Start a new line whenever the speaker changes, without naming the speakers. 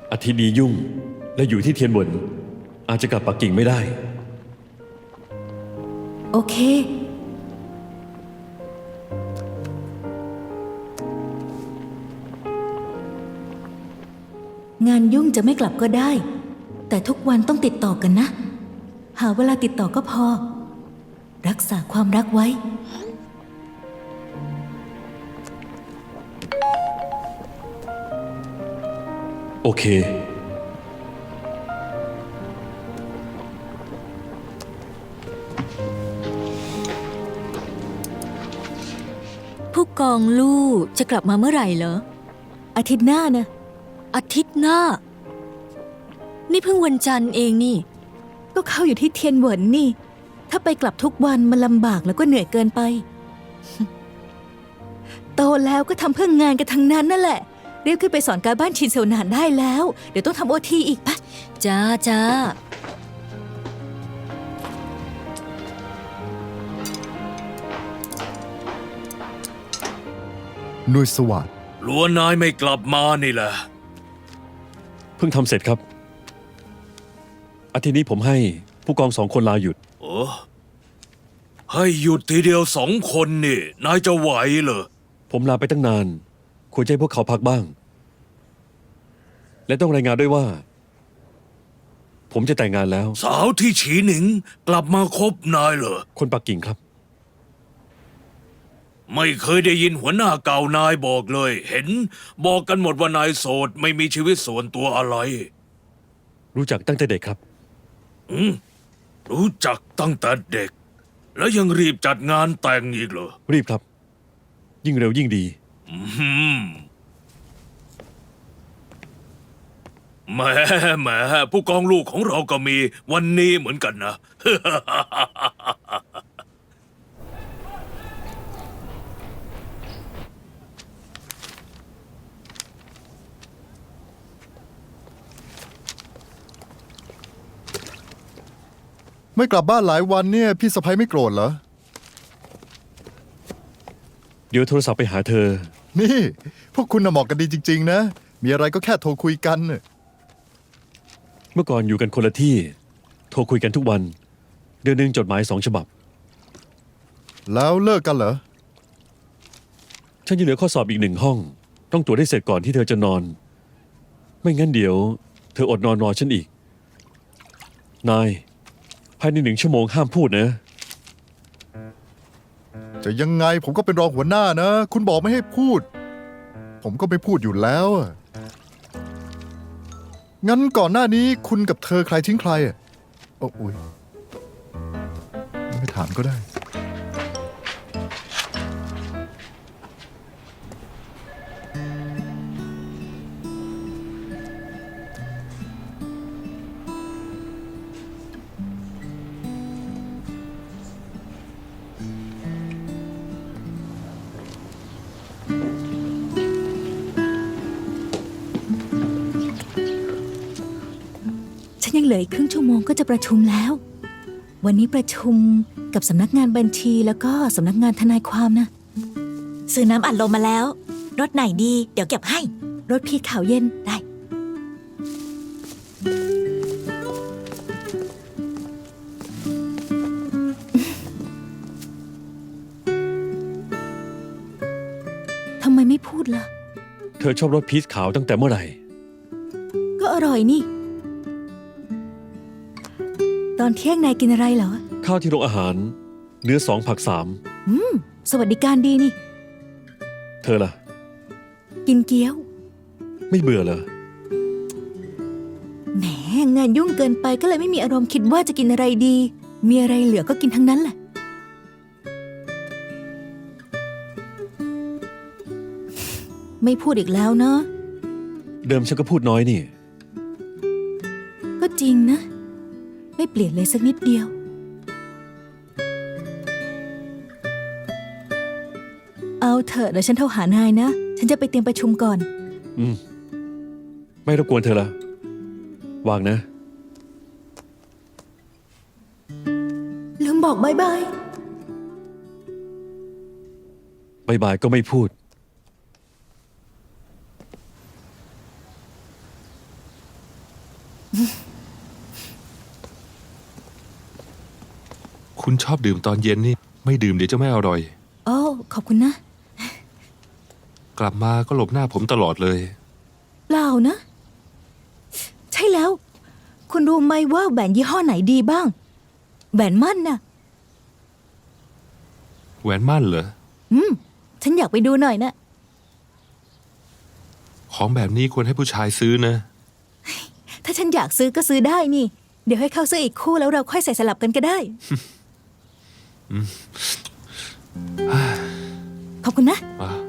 อาทิตย์นี้ยุ่งและอยู่ที่เทียนหวนอาจจะกลับปักกิ่งไม่ได้
โอเคงานยุ่งจะไม่กลับก็ได้แต่ทุกวันต้องติดต่อกันนะหาเวลาติดต่อก็พอรักษาความรักไว้
โอเค
ผู้กองลู่จะกลับมาเมื่อไหร่เหรอ
อาทิตย์หน้านะ
อาทิตย์หน้านี่เพิ่งวันจันทร์เองนี่
ก็เข้าอยู่ที่เทียนเหวินนี่ถ้าไปกลับทุกวันมันลำบากแล้วก็เหนื่อยเกินไป โตแล้วก็ทำเพื่องานกันทั้งนั้นนั่นแหละเรียกขึ้นไปสอนการบ้านชินเซลนานได้แล้วเดี๋ยวต้องทำโอทีอีกปะ
จ้าจ้า
หน่วยสวัสดิ์
ล้วนายไม่กลับมานี่แหละ
เพิ่งทำเสร็จครับอาทิตย์นี้ผมให้ผู้กอง2 คนลาหยุด
โอ้ให้หยุดทีเดียว2 คนนี่นายจะไหวเหรอ
ผมลาไปตั้งนานควรจะให้พวกเขาพักบ้างและต้องรายงานด้วยว่าผมจะแต่งงานแล้ว
สาวที่ฉีหนิงกลับมาคบนายเหรอ
คนปักกิ่งครับ
ไม่เคยได้ยินหัวหน้าเก่านายบอกเลยเห็นบอกกันหมดว่านายโสดไม่มีชีวิตส่วนตัวอะไร
รู้จักตั้งแต่เด็กครับ
รู้จักตั้งแต่เด็กแล้วยังรีบจัดงานแต่งอีกเหรอ
รีบครับยิ่งเร็วยิ่งดี
แหมผู้กองลูกของเราก็มีวันนี้เหมือนกันนะ
ไม่กลับบ้านหลายวันเนี่ยพี่สะใภ้ไม่โกรธเหรอ
เดี๋ยวโทรศัพท์ไปหาเธอ
นี่พวกคุณน่ะเหมาะกันดีจริงๆนะมีอะไรก็แค่โทรคุยกัน
เมื่อก่อนอยู่กันคนละที่โทรคุยกันทุกวันเดือนหนึ่งจดหมาย2 ฉบับ
แล้วเลิกกันเหรอ
ฉันยังเหลือข้อสอบอีก1 ห้องต้องตรวจให้เสร็จก่อนที่เธอจะนอนไม่งั้นเดี๋ยวเธออดนอนรอฉันอีกนายภายใน1 ชั่วโมงห้ามพูดนะ
จะยังไงผมก็เป็นรองหัวหน้านะคุณบอกไม่ให้พูดผมก็ไม่พูดอยู่แล้วงั้นก่อนหน้านี้คุณกับเธอใครทิ้งใครโอ้ยไม่ถามก็ได้
ฉันยังเหลืออีกครึ่งชั่วโมงก็จะประชุมแล้ววันนี้ประชุมกับสำนักงานบัญชีแล้วก็สำนักงานทนายความนะซื้อน้ำอัดลมมาแล้วรสไหนดีเดี๋ยวเก็บให้รสพีชขาวเย็นได้ทำไมไม่พูดล่ะ
เธอชอบรสพีชขาวตั้งแต่เมื่อไหร่
ก็อร่อยนี่ตอนเที่ยงนายกินอะไรเหรอ
ข้าวที่โรงอาหารเนื้อ2 ผัก 3
สวัสดิการดีนี่
เธอล่ะ
กินเกี๊ยว
ไม่เบื่อเหรอ
แหมงานยุ่งเกินไปก็เลยไม่มีอารมณ์คิดว่าจะกินอะไรดีมีอะไรเหลือก็กินทั้งนั้นแหละไม่พูดอีกแล้วเนาะ
เดิมฉันก็พูดน้อยนี่
ก็จริงนะไม่เปลี่ยนเลยสักนิดเดียวเอาเถอะเดี๋ยวฉันโทรหานายนะฉันจะไปเตรียมประชุมก่อน
ไม่รบกวนเธอละวางนะ
ลืมบอกบายบาย
บายบายก็ไม่พูด
คุณชอบดื่มตอนเย็นนี่ ไม่ดื่มเดี๋ยวจะไม่อร่อย
โอ้ขอบคุณนะ
กลับมาก็หลบหน้าผมตลอดเลย
เปล่านะ ใช่แล้ว คุณรู้ไหมว่าแหวนยี่ห้อไหนดีบ้าง แหวนมั่นน่ะ
แหวนมั่นเหรอ
ฉันอยากไปดูหน่อยนะ
ของแบบนี้ควรให้ผู้ชายซื้อนะ
ถ้าฉันอยากซื้อก็ซื้อได้นี่ เดี๋ยวให้เขาซื้ออีกคู่แล้วเราค่อยใส่สลับกันก็ได้ ขอบคุณนะ
อ่ะ